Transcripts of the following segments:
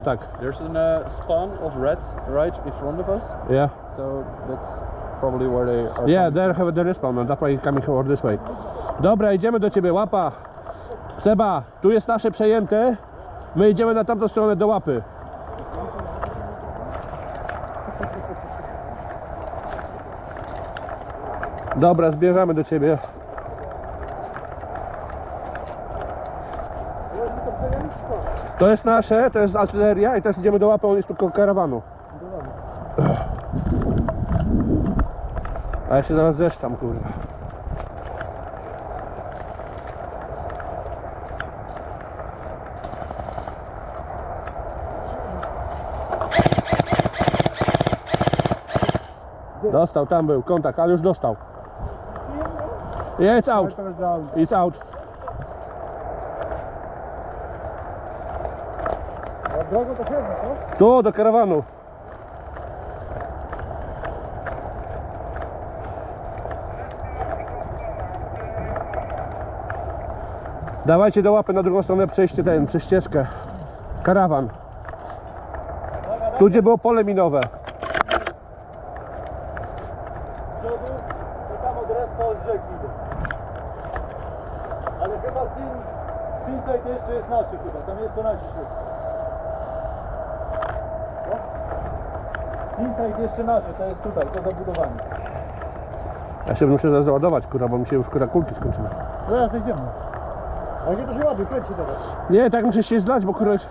Tak. There's a spawn of rats right in front of us, Yeah. so that's probably where they are. Yeah, there have the respawn, and that's why it's coming over this way. Dobra, idziemy do ciebie, łapa. Seba, tu jest nasze przejęte. My idziemy na tamtą stronę do łapy. Dobra, zbierzamy do ciebie. To jest nasze, to jest artyleria i teraz idziemy do łapy, on jest tylko karawanu. A ja się zaraz zeszczam, kurwa. Dostał, tam był kontakt, ale już dostał. Yeah, it's out. It's out. Drogo to chyba, co? Tu, do karawanu. Dawajcie do łapy na drugą stronę, przejście przez ścieżkę. Karawan. Tu gdzie było pole minowe. To tam od respa od rzeki idę. Ale chyba Sinside jeszcze jest naszy chyba, tam jest to nasi szuk. Sinside jeszcze nasze, to jest tutaj, to zabudowanie. Ja się muszę zaraz załadować, kurwa, bo mi się już kurwa kulki skończyły. Zaraz idziemy. A gdzie to się ładuje, kręci teraz. Nie, tak muszę się zlać, bo kurwa...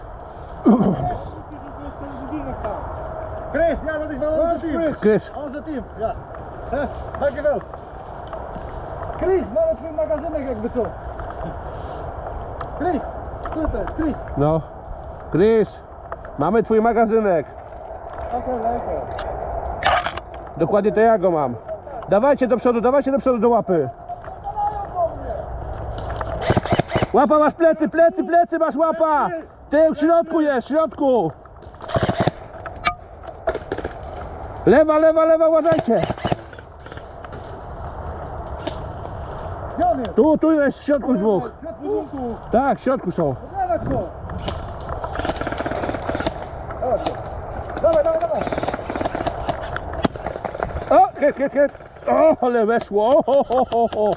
Chris, ja dat is wel onze team. Chris. Onze team, ja. Dankjewel. Chris, mamy twój magazynek jakby co. Chris, tutaj, Chris. No. Chris, mamy twój magazynek. Okej, lekker. Dokładnie to ja go mam. Dawajcie do przodu do łapy. Łapa, masz plecy, masz łapa. Ty w środku jest, w środku. Lewa, uważajcie. Gdzie on jest? Tu jest w środku dwóch. W środku. Tak, w środku są. Dawać go. Dawaj. O, hit. O, ale weszło. O.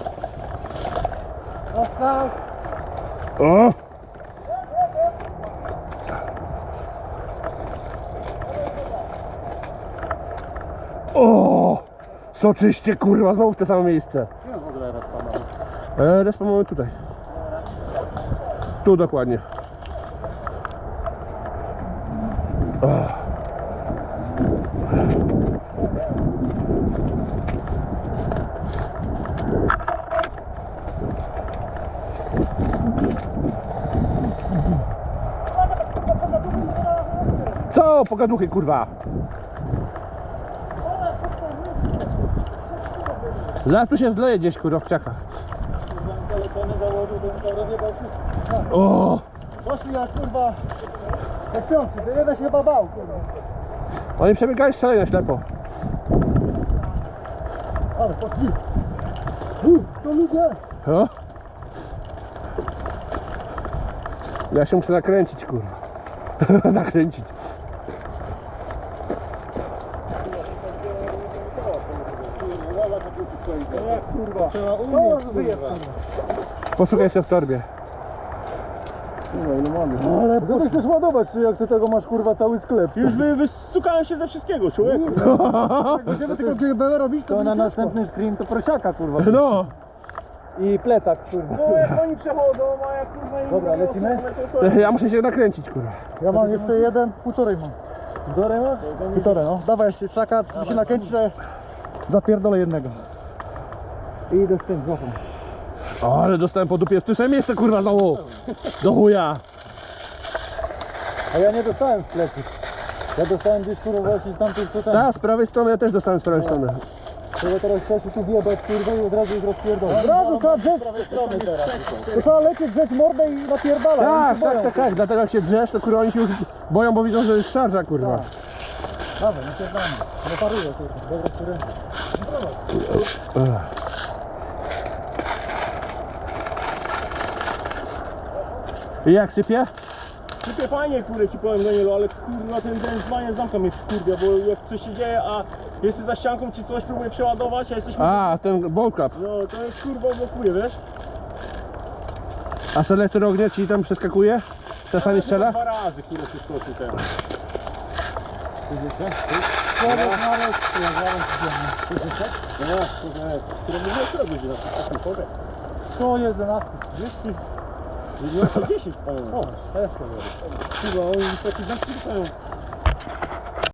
Dostał. O. O, soczyście, kurwa, znowu w to samo miejsce. Gdzie w ogóle respa mamy? Respa mamy tutaj. Tu dokładnie. O. Co? Pogaduchy, kurwa. Zaraz tu się zleje gdzieś, kurwa, w krzakach. Telefony założył, to bym rozjebał wszystko. O! Poszli jak kurwa, jak piątki, to jeden się chyba bał, kurwa. Oni przebiegali strzelaj na ślepo. Ale poszli. To ludzie. O? Ja się muszę nakręcić, kurwa. Nakręcić. Jak kurwa? Trzeba umieć, kurwa. Poszukaj się w torbie. Ale co ty chcesz ładować, czy jak ty tego masz kurwa cały sklep? Już wystukałem się ze wszystkiego, człowieku. Jak będziemy tylko GBE robić, to na następny screen to prosiaka kurwa. No! I plecak kurwa. No jak oni przechodzą, a jak kurwa im Dobra, mówią, lecimy? to co? Ja muszę się nakręcić, kurwa. Ja mam jeszcze jeden, półtorej mam. Półtorej masz? Półtorej, no. Dawaj jeszcze czaka, się nakręci, że zapierdolę jednego. I idę z tym złapą. O, ale dostałem po dupie w tym samym miejsce, kurwa, znowu. Do chuja. A ja nie dostałem w plecy. Ja dostałem gdzieś kurwa właśnie z tamtej strony. Tak, z prawej strony ja też dostałem z prawej strony. Trzeba teraz trzeba się tu wjebać kurwa i od razu ich rozpierdolę. Od razu trzeba drzeć. To trzeba lecieć, drzeć mordę i napierdalać. Tak. Dlatego jak się drzesz, to kurwa oni się już boją, bo widzą, że jest szarża, kurwa. Dawaj, napierdalamy. No paruję kurwa. Dobra, który... I jak sypie? Typie fajnie, kurde, ci powiem Danielu, ale kurwa ten dzwonię zamka mnie kurde, bo jak coś się dzieje, a jesteś za ścianką czy coś, próbuję przeładować, a jesteśmy... A, ten ball cap. No to jest kurwa blokuje, wiesz? A selektor ognia ci tam przeskakuje? Czasami strzela? 2 razy kurde przeskoczył ten. Człowiek nawet, No, które mówię, co robić na takim powiem. 111, 200. 10 pamiętam. O, też to jest. Kurwa, oni taki zamki dostają.